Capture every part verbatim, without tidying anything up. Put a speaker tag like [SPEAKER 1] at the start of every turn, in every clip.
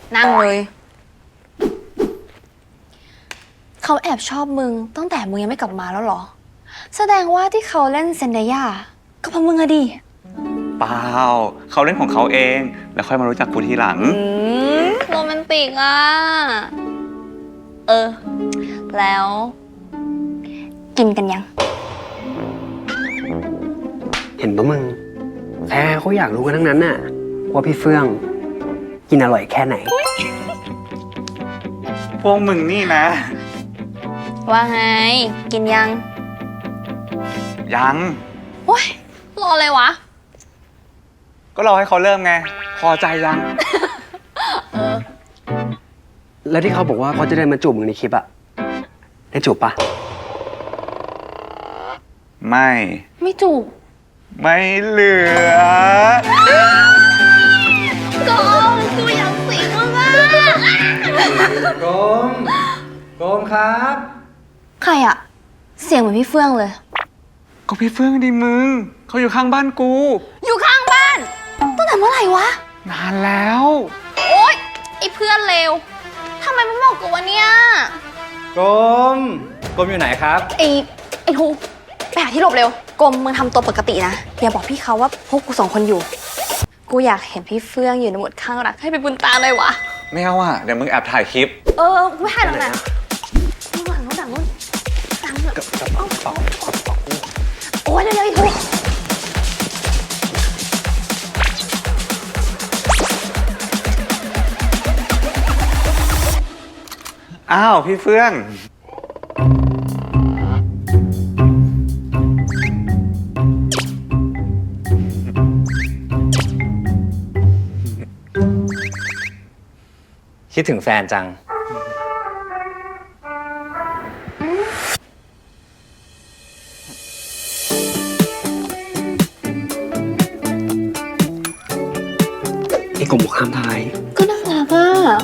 [SPEAKER 1] นั่งเลยเขาแอบชอบมึงตั้งแต่มึงยังไม่กลับมาแล้วเหรอแสดงว่าที่เขาเล่นเซนเดย่าก็เพราะมึงอะดิ
[SPEAKER 2] เปล่าเขาเล่นของเขาเองแล้วค่อยมารู้จักกูทีหลัง
[SPEAKER 1] โรแมนติกอ่ะเออแล้วกินกันยัง
[SPEAKER 3] เห็นปะมึงแพ้เขาอยากรู้กันทั้งนั้นน่ะว่าพี่เฟื่องกินอร่อยแค่ไหน
[SPEAKER 2] พวกมึงนี่นะ
[SPEAKER 1] ว่าไงกินยัง
[SPEAKER 2] ยัง
[SPEAKER 1] โอ๊ยรออะไรวะ
[SPEAKER 2] ก็รอให้เขาเริ่มไงพอใจยัง
[SPEAKER 1] เออ
[SPEAKER 3] แล้วที่เขาบอกว่าเขาจะเดินมาจูบมึงในคลิปอะได้จูบปะ
[SPEAKER 2] ไม่
[SPEAKER 1] ไม่จูบ
[SPEAKER 2] ไม่เหลือ
[SPEAKER 1] โกมกูอยากสิงมึงอะ
[SPEAKER 3] โกมโกมครับ
[SPEAKER 1] ใครอะเสียงเหมือนพี่เฟื่องเลย
[SPEAKER 2] ก็พี่เฟื่องดิมึงเขาอยู่ข้างบ้านกู
[SPEAKER 1] อยู่ข้างบ้านตั้งแต่เมื่อไหร่วะ
[SPEAKER 2] นานแล้ว
[SPEAKER 1] โอ๊ยไอ้เพื่อนเลวทำไมไม่บอกกูวะเนี่ย
[SPEAKER 3] กรมกรมอยู่ไหนครับ
[SPEAKER 1] ไอ้ไอ้ทูไปหาที่หลบเร็วกรมมึงทำตัวปกตินะอย่าบอกพี่เขาว่าพวกกูสองคนอยู่กูอยากเห็นพี่เฟื่องอยู่ในโหมดข้างรักให้เป็นบุญตาเลยวะ
[SPEAKER 2] ไม่เอาอ่ะเดี๋ยวมึงแอบถ่ายคลิป
[SPEAKER 1] เออกูไม่ถ่ายหรอกนะนู่นหลังนู่นหลังนู่นหลังนู่นโอ้ยเร็วๆไอ้ทู
[SPEAKER 2] อ้าวพี่เฟื่อง
[SPEAKER 4] คิดถึงแฟนจัง
[SPEAKER 3] ไอ้กรมบอกห้ามทาย
[SPEAKER 1] ก็น่ารักอ่ะ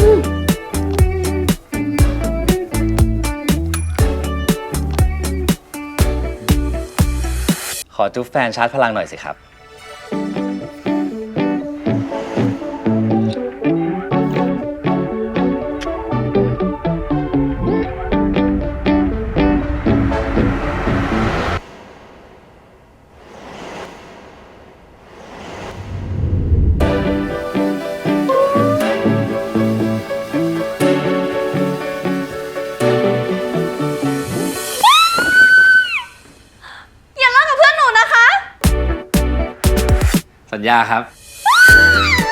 [SPEAKER 4] ขอจุ๊บแฟนชาร์จพลังหน่อยสิครับสัญญาครับ